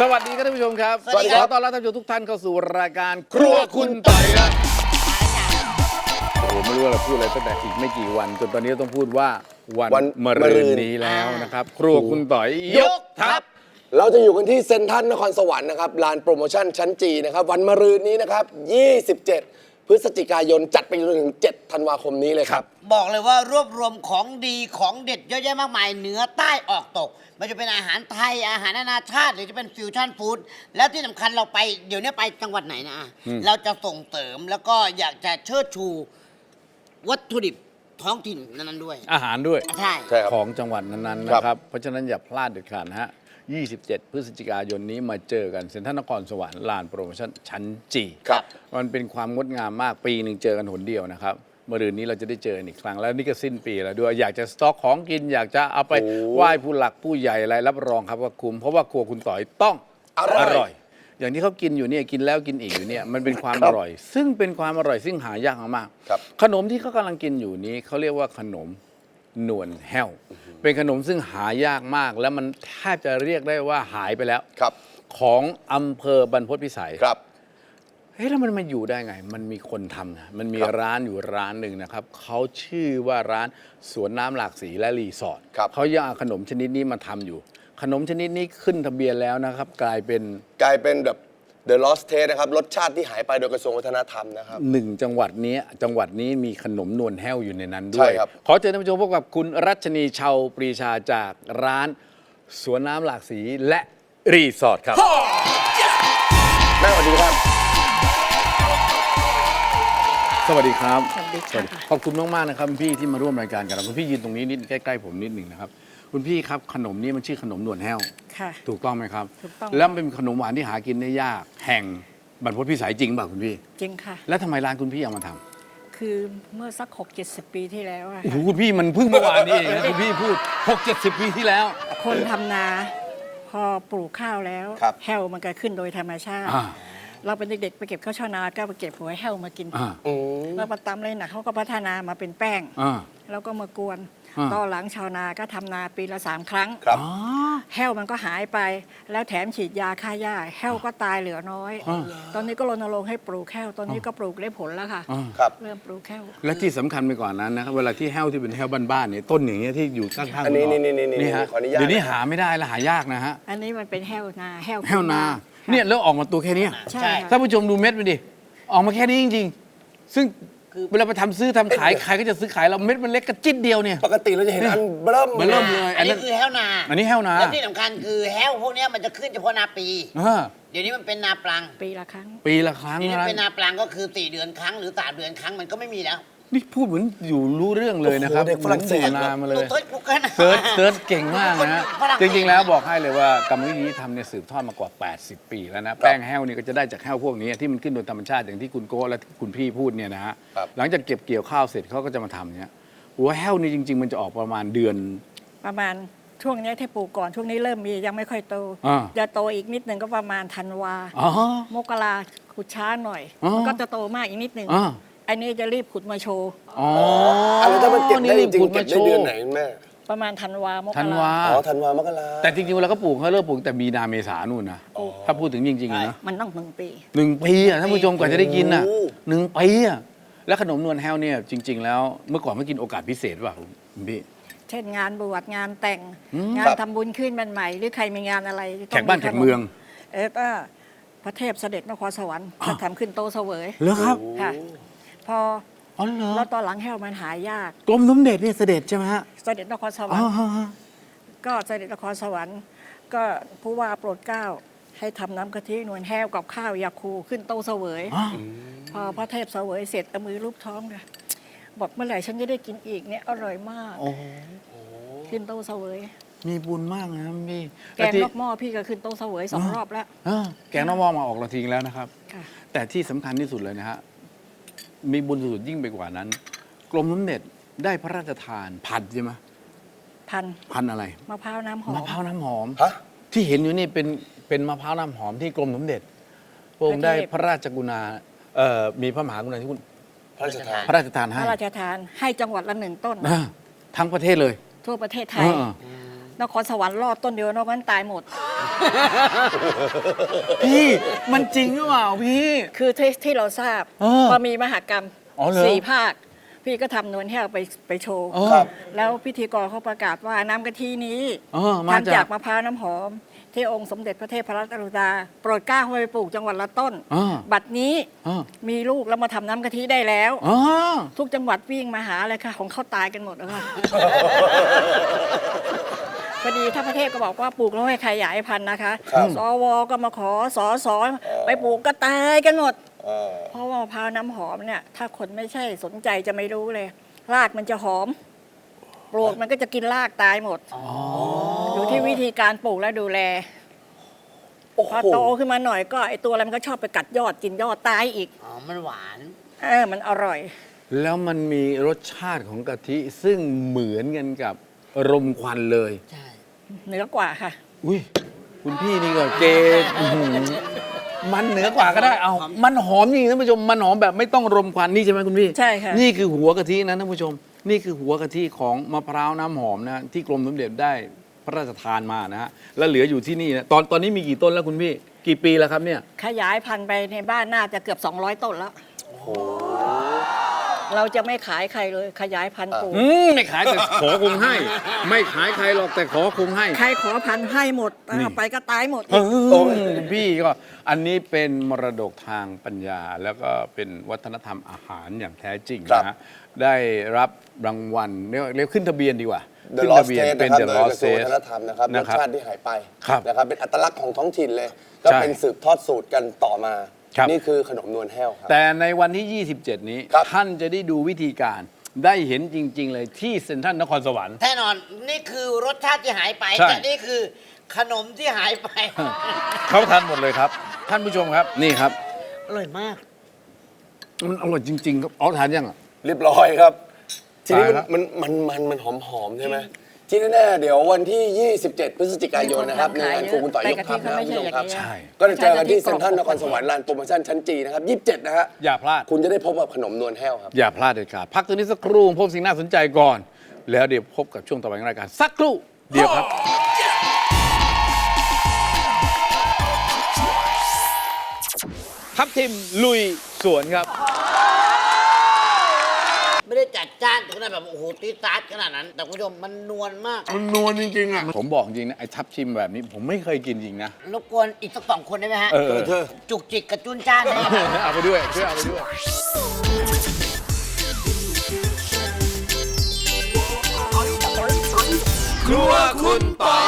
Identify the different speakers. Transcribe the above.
Speaker 1: สวัสดีครับท่านผู้ชมครับ
Speaker 2: สวัสดีครับ
Speaker 1: ขอต้อนรับท่านผู้ชมทุกท่านเข้าสู่รายการครัวคุณต่อยครับโอ้โหไม่รู้ว่าเราพูดอะไรตั้งแต่อีกไม่กี่วันจนตอนนี้ต้องพูดว่าวันมะรืนนี้แล้วนะครับครัวคุณต่อยยกทัพ
Speaker 2: เราจะอยู่กันที่เซ็นทรัลนครสวรรค์นะครับลานโปรโมชั่นชั้นจีนะครับวันมะรืนนี้นะครับ27 พฤศจิกายนจัดไปจนถึง7 ธันวาคมนี้เลยครับ
Speaker 3: บอกเลยว่ารวบรวมของดีของเด็ดเยอะแยะมากมายเหนือใต้ออกตกมันจะเป็นอาหารไทยอาหารนานาชาติหรือจะเป็นฟิวชั่นฟู้ดแล้วที่สำคัญเราไปเดี๋ยวนี้ไปจังหวัดไหนนะเราจะส่งเสริมแล้วก็อยากจะเชิดชูวัตถุดิบท้องถิ่นนั้นๆด้วย
Speaker 1: อาหารด้วย
Speaker 3: ใช่
Speaker 2: ครับ
Speaker 1: ของจังหวัดนั้นๆนะครับเพราะฉะนั้นอย่าพลาดเด็ดขาดนะฮะ27 พฤศจิกายนนี้มาเจอกันเซ็นทรัลนครสวรรค์ลานโปรโมชั่นชั้นจี
Speaker 2: ครับ
Speaker 1: มันเป็นความงดงามมากปีหนึ่งเจอกันหนเดียวนะครับเมื่อรืนนี้เราจะได้เจอกันอีกครั้งแล้วนี่ก็สิ้นปีแล้วด้วยอยากจะสต็อกของกินอยากจะเอาไปไหว้ผู้หลักผู้ใหญ่อะไรรับรองครับว่าคุ้มเพราะว่าครัวคุณต่อยต้อง
Speaker 2: อร่อย
Speaker 1: อย่างที่เขากินอยู่เนี่ยกินแล้วกินอีกอยู่เนี่ยมันเป็นความอร่อย ซึ่งเป็นความอร่อยซึ่งหายากมากๆ
Speaker 2: ครับ
Speaker 1: ขนมที่เขากำลังกินอยู่นี้เขาเรียกว่าขนมนวลแห้วเป็นขนมซึ่งหายากมาก แล้วมันแทบจะเรียกได้ว่าหายไปแล้ว
Speaker 2: ครับ
Speaker 1: ของอำเภอบรรพตพิสัย
Speaker 2: ครับ
Speaker 1: เฮ้ยแล้วมันมาอยู่ได้ไง มันมีคนทำนะมันมี
Speaker 2: ครับ
Speaker 1: ร้านอยู่ร้านหนึ่งนะครับเขาชื่อว่าร้านสวนน้ำหลากสีและรีสอร์ท
Speaker 2: ครับ
Speaker 1: เขายังเอาขนมชนิดนี้มาทำอยู่ ขนมชนิดนี้ขึ้นทะเบียนแล้วนะครับ กลายเป็น
Speaker 2: แบบ The Lost Taste นะครับรสชาติที่หายไปโดยกระทรวงวัฒนธรรมนะครับ
Speaker 1: หนึ่งจังหวัดนี้มีขนมนวลแห้วอยู่ในนั้นด้
Speaker 2: ใช่
Speaker 1: วย
Speaker 2: ครับ
Speaker 1: ขอเชิญท่านผู้ชมพบกับคุณรัชนีชาวปรีชาจากร้านสวนน้ำหลากสีและรีสอร์ทครับ
Speaker 2: แม่สวัสดีครับ
Speaker 1: สวัสดีครับ
Speaker 4: สวัสดีค่ะ
Speaker 1: ขอบคุณมากๆนะครับคุณพี่ที่มาร่วมรายการกับเราคุณพี่ยืนตรงนี้นิดใกล้ๆผมนิดหนึ่งนะครับคุณพี่ครับขนมนี้มันชื่อขนมนวลแห้ว
Speaker 4: ค่ะ
Speaker 1: ถูกต้องไหมครับ
Speaker 4: ถูกต้อง
Speaker 1: แล้วเป็นขนมหวานที่หากินได้ยากแห่งบรรพตพิสัยจริงเปล่าคุณพี่
Speaker 4: จริงค่ะ
Speaker 1: แล้วทำไมร้านคุณพี่เอามาทำ
Speaker 4: คือเมื่อสัก60-70 ปีที่แล้วอะ
Speaker 1: โอ้โหคุณพี่มันเพิ่งเมื่อวานนี้เองนะคุณพี่พูด 6-70 ปีที่แล้ว
Speaker 4: คนทำนาพอปลูกข้าวแล้ว
Speaker 2: ครับ
Speaker 4: แห้วมันก็ขึ้นโดยธรรมชาติ
Speaker 1: อ่า
Speaker 4: เราเป็นเด็กๆไปเก็บข้าวชาวนาก็ไปเก็บหัวแห้วมากิน
Speaker 1: อ่า
Speaker 4: แล้วมาตำเลยหนักเขาก็พัฒนามาเป็นแป้ง
Speaker 1: อ่า
Speaker 4: แล้วก็มากวน
Speaker 1: อ่า
Speaker 4: ต่อหลังชาวนาก็ทำนาปีละ3 ครั้ง
Speaker 2: ครับ
Speaker 1: อ๋อ
Speaker 4: แห้วมันก็หายไป แล้วแถมฉีดยาฆ่าหญ้าแห้วก็ตายเหลือน้อย
Speaker 1: อ่า
Speaker 4: ตอนนี้ก็รณรงค์ให้ปลูกแห้วตอนนี้ก็ปลูกได้ผลแล้วค่ะ
Speaker 1: อ่า
Speaker 2: ครับ
Speaker 4: เริ่มปลูกแห้ว
Speaker 1: และที่สำคัญไปกว่านั้นนะครับเวลาที่แห้วที่เป็นแห้วบ้านๆเนี่ยต้นอย่างเงี้ยที่อยู่ข้างๆ
Speaker 2: อันนี้
Speaker 1: คุณ
Speaker 2: นี่
Speaker 1: ฮะ
Speaker 2: ขออนุญาต
Speaker 1: เดี๋ยวนี้
Speaker 2: นะครับ
Speaker 1: หาไม่ได้และหายากนะฮะ
Speaker 4: อันนี้มันเป็นแห้วนาแห้ว
Speaker 1: แห้วนา
Speaker 4: ค่ะ
Speaker 1: เนี่ยแล้วออกมาตัวแค่เนี้ย
Speaker 4: ใช่
Speaker 3: ใช่
Speaker 4: ค่ะ
Speaker 1: ท่านผู้ชมดูเม็ดมันดิออกมาแค่นี้จริงๆ ซึ่งเวลาไปทำซื้อทำขายใครก็จะซื้อขายเราเม็ดมันเล็กกระจิตเดียวเนี่ย
Speaker 2: ปกติเราจะเห็นอันเบิ่ม
Speaker 1: เริ่มเลย
Speaker 3: อันนี้คือแห้วนา
Speaker 1: อันนี้แห้วนา
Speaker 3: แล้วที่สำคัญคือแห้วพวกเนี้ยมันจะขึ้นเฉพาะนาปี
Speaker 1: อ่า
Speaker 3: เดี๋ยวนี้มันเป็นนาปลัง
Speaker 4: ปีละครั้ง
Speaker 1: ปีละครั้ง
Speaker 3: เดี๋ยวนี้
Speaker 1: นะ
Speaker 3: เป็นนาปลังก็คือ4 เดือนครั้งหรือ3 เดือนครั้งมันก็ไม่มีแล้ว
Speaker 1: นี่พูดเหมือนอยู่รู้เรื่องเลยนะครับ
Speaker 2: โอ้โหเด็กฝรั่งเศส
Speaker 1: หมือนอยู่นามาเลย
Speaker 3: เซิร์ชกูเกิล
Speaker 1: เซิร์ชเก่งมากนะฮะ
Speaker 3: ฝรั่งเศ
Speaker 1: จ
Speaker 3: ส
Speaker 1: ริงๆแล้วบอกให้เลยว่ากรรมวิธีที่ทำเนี่ยสืบทอดมากว่า 80 ปีแล้วนะแป้งแห้วนี่ก็จะได้จากแห้วพวกนี้ที่มันขึ้นโดยธรรมชาติอย่างที่คุณโก้และคุณพี่พูดเนี่ยนะฮะ
Speaker 2: ครับ
Speaker 1: หลังจากเก็บเกี่ยวข้าวเสร็จเขาก็จะมาทำเนี่ยหัวแห้วนี่จริง ๆ มันจะออกประมาณเดือน
Speaker 4: ประมาณช่วงเนี้ยที่ปลูกก่อนช่วงนี้เริ่มมียังไม่ค่อยโต
Speaker 1: อ่า
Speaker 4: จะโตอีกนิดหนึ่งก็ประมาณธันวา
Speaker 1: อ๋อ
Speaker 4: มกราขุดช้าหน่อย
Speaker 1: อ๋อ
Speaker 4: มันก็จะโตมากอีกนิดหนึ่ง
Speaker 1: อ่า
Speaker 4: อันนี้จะรีบขุดมาโชว์
Speaker 1: อ๋อ
Speaker 2: อะไรถ้ามันเก็บได้จริง
Speaker 1: ขุ
Speaker 2: ๆเก็บ
Speaker 1: มาโช
Speaker 2: ได้เดือน
Speaker 1: ว์
Speaker 2: ไหนแม่
Speaker 4: ประมาณธันวามก
Speaker 1: ธัน
Speaker 4: ราว
Speaker 1: า
Speaker 2: อ๋อธันวามกรา
Speaker 1: แต่จริงๆเวลาเขาปลูกเขาเริ่มปลูกแต่มีนาเมษานู่นนะถ้าพูดถึงจริงๆอะนะ
Speaker 4: มันต้อง1 ปี
Speaker 1: 1 ปีอ่ะท่านผู้ชมกว่าจะได้กินอ่ะ
Speaker 2: โอ้โห
Speaker 1: 1 ปีอ่ะแล้วขนมนวลแห้วเนี่ยจริง ๆ แล้วเมื่อก่อนเขากินโอกาสพิเศษป่ะคุณพี่
Speaker 4: เช่นงานบวชงานแต่ง
Speaker 1: อืม
Speaker 4: งาน
Speaker 2: ครับ
Speaker 4: ทำบุญขึ้นบ้านใหม่หรือใครมีงานอะไรต้
Speaker 1: แขกบ้าน
Speaker 4: ข
Speaker 1: แขกเมือง
Speaker 4: ก็พระเทพเสด็จนครสวรรค์จะทำขึ้นโตะเสวย
Speaker 1: เหรอครับ
Speaker 4: ค่ะ พอ
Speaker 1: อ๋อเหรอ
Speaker 4: แล้วตอนหลังแห้วมันหายาก
Speaker 1: กรมสมเด็จเนี่ยเสด็จใช่ไหมฮะ
Speaker 4: เสด็จนครสวร
Speaker 1: อ๋
Speaker 4: ร
Speaker 1: อ
Speaker 4: ค์
Speaker 1: ฮะฮะ
Speaker 4: ก็เสด็จนครสวรรค์ก็ผู้ว่าโปรดเกล้าให้ทำน้ำกะทินวลแห้วกับข้าวยาคูขึ้นโต๊ะเสวย
Speaker 1: อ๋อ
Speaker 4: พอพระเทพเสวยเสร็จเอามือลูบท้องเลยบอกเมื่อไหร่ฉันจะได้กินอีกเนี่ยอร่อยมาก
Speaker 1: โอ้โห
Speaker 4: ขึ้นโต๊ะเสวย
Speaker 1: มีบุญมากนะพี่
Speaker 4: แกงนอกหม้อพี่ก็ขึ้นโต๊ะเสวย2 รอบแล้ว
Speaker 1: แกงน้ำมอมาออกเราทิ้งแล้วนะครับ
Speaker 4: ค่ะ
Speaker 1: แต่ที่สำคัญที่สุดเลยนะฮะมีบุญสุดยิ่งไปกว่านั้น กรมสมเด็จได้พระราชทานพันธุ์ใช่ไหม
Speaker 4: พัน
Speaker 1: พันธุ์อะไร
Speaker 4: มะพร้าวน้ำหอ
Speaker 1: มะ
Speaker 4: ม
Speaker 1: พร้าวน้ำหอม
Speaker 2: ฮะ
Speaker 1: ที่เห็นอยู่นี่เป็นมะพร้าวน้ำหอมที่กรมสมเด็จพระองค์ได้พระราชกรุณามีพระมหากรุณาธิคุณ
Speaker 2: พระราชทาน
Speaker 1: พระราชทาน
Speaker 4: พ
Speaker 1: ให้
Speaker 4: ระราชทานให้จังหวัดละ1 ต้น
Speaker 1: ทั้งประเทศเลย
Speaker 4: ทั่วประเทศไทย
Speaker 1: เออ
Speaker 4: นครสวรรค์รอดต้นเดียวนอกนั้นตายหมด
Speaker 1: พี่มันจริงหรือเปล่าพี่
Speaker 4: คือที่เราทราบ
Speaker 1: เออ
Speaker 4: พอมีมหกรรม
Speaker 1: อ๋อเหรอ
Speaker 4: 4 ภาค พี่ก็ทำนวลแห้วไปโชว์
Speaker 2: ครับ
Speaker 4: แล้วพิธีกรเขาประกาศว่าน้ำกะทินี้
Speaker 1: มา
Speaker 4: ทำ
Speaker 1: จา
Speaker 4: จาก กมะพร้าวน้ำหอม ที่องค์สมเด็จพระเทพรัตนราชสุดาโปรดเกล้าให้ไปปลูกจังหวัดละต้น บัดนี้มีลูกแล้วมาทำน้ำกะทิได้แล้ว ทุกจังหวัดวิ่งมาหาเลยค่ะ ของเขาตายกันหมดแล้วค่ะ พอดีถ้าประเทศก็บอกว่าปลูกแล้วให้ขยายพันธุ์นะคะ
Speaker 2: ครับ
Speaker 4: สวก็มาขอสไปปลูกก็ตายกันหมด
Speaker 2: เออ
Speaker 4: เพราะว่ามะพร้าวน้ำหอมเนี่ย ถ้าคนไม่ใช่สนใจจะไม่รู้เลย รากมันจะหอม ปลูกมันก็จะกินรากตายหมดอยู่ที่วิธีการปลูกและดูแล
Speaker 2: โอ้โห
Speaker 4: พอโตขึ้นมาหน่อยก็ไอตัวอะไรมันก็ชอบไปกัดยอดกินยอดตายอีก
Speaker 3: อ๋อ มันหวาน
Speaker 4: มันอร่อย
Speaker 1: แล้วมันมีรสชาติของกะทิซึ่งเหมือนกันกับรมควันเลย
Speaker 3: ใช่
Speaker 4: เหนือกว่าค่ะ
Speaker 1: อุ้ยคุณพี่นี่ก็เกอื้อหือมันเหนือกว่าก็ได้เอา มันหอมจริงท่านผู้ชมมันหอมแบบไม่ต้องรมควันนี่ใช่ไหมคุณพี่
Speaker 4: ใช่ค่ะ
Speaker 1: นี่คือหัวกะทินะท่านผู้ชม นี่คือหัวกะทิของมะพร้าวน้ำหอมนะที่กรมสมเด็จได้พระราชทานมานะฮะแล้วเหลืออยู่ที่นี่นะตอนนี้มีกี่ต้นแล้วคุณพี่ กี่ปีแล้วครับเนี่ย
Speaker 4: ขยายพันธุ์ไปในบ้านน่าจะเกือบ 200 ต้นแล้ว เราจะไม่ขายใครเลย ขยายพันธุ์ปลูก
Speaker 1: ไม่ขายแต่ขอคงให้ ไม่ขายใครหรอกแต่ขอคงให้
Speaker 4: ใครขอพันธุ์ให้หมด
Speaker 1: นี่
Speaker 4: ไปก็ตายหมด
Speaker 1: คุณพี่ก็อันนี้เป็นมรดกทางปัญญา แล้วก็เป็นวัฒนธรรมอาหารอย่างแท้จริง
Speaker 2: ครับ
Speaker 1: นะฮะได้รับรางวัลเรียกขึ้นทะเบียนดีกว่า
Speaker 2: The
Speaker 1: ขึ้น
Speaker 2: Lost
Speaker 1: ทะเบียน
Speaker 2: Taste
Speaker 1: เป็น
Speaker 2: นะครับ
Speaker 1: The
Speaker 2: โดยก
Speaker 1: Lost
Speaker 2: ระทรวงวั
Speaker 1: Taste
Speaker 2: ฒนธรรมนะครับร
Speaker 1: นะ
Speaker 2: ส
Speaker 1: ครับ
Speaker 2: ชาติที่หายไป
Speaker 1: ครับ
Speaker 2: นะครับเป็นอัตลักษณ์ของท้องถิ่นเลย ก็
Speaker 1: ใช่
Speaker 2: เป็นสืบทอดสูตรกันต่อมา
Speaker 1: ครับ
Speaker 2: นี่คือขนมนวลแห้วครับ
Speaker 1: แต่ในวันที่ 27 นี้
Speaker 2: ครับ
Speaker 1: ท่านจะได้ดูวิธีการได้เห็นจริง ๆ เลยที่เซ็นทรัลนครสวรรค์
Speaker 3: แน่นอน นี่คือรสชาติที่หายไป
Speaker 1: ใช่
Speaker 3: แต่นี่คือขนมที่หายไป
Speaker 1: เขาทานหมดเลยครับ ท่านผู้ชมครับนี่ครับ
Speaker 3: อร่อยมาก
Speaker 1: มันอร่อยจริง ๆ ครับอ๋อทานยังอ่ะ
Speaker 2: เรียบร้อยครับ ทีนี้
Speaker 1: ตายแล้ว
Speaker 2: มันหอมๆใช่ไหมที่แน่ๆเดี๋ยววันที่ 27 พฤศจิกายนนะครับในงานครูคุณต่อยยกทัพนะครับคุณผู้ชมครับ
Speaker 1: ใช่
Speaker 2: ก็จะเจอกันที่เซ็นทรัลนครสวรรค์ลานโปรโมชั่นชั้นจีนะครับ 27 นะฮะ
Speaker 1: อย่าพลาด
Speaker 2: คุณจะได้พบกับขนมนวลแห้วครับ
Speaker 1: อย่าพลาดเด็ดขาดพักตัวนี้สักครู่พบสิ่งน่าสนใจก่อน แล้วเดี๋ยวพบกับช่วงต่อไปของรายการสักครู่เดียวครับ ทัพทิมลุยสวนครับ
Speaker 3: ไม่ได้จัดจ้านถึงขนาดแบบโอ้โหตีตาร์ดขนาดนั้น แต่คุณผู้ชมมันนวลมาก
Speaker 1: มันนวลจริงๆอ่ะผมบอกจริงนะไอ้ทับทิมแบบนี้ผมไม่เคยกินจริงนะ
Speaker 3: รบกวนอีกสัก2 คนได้ไหมฮะ
Speaker 1: เธอ
Speaker 3: จุกจิกกับจุนจ้านนะ
Speaker 1: เอาไปด้วยช่วยเอาไปด้วย ครัวคุณต่อย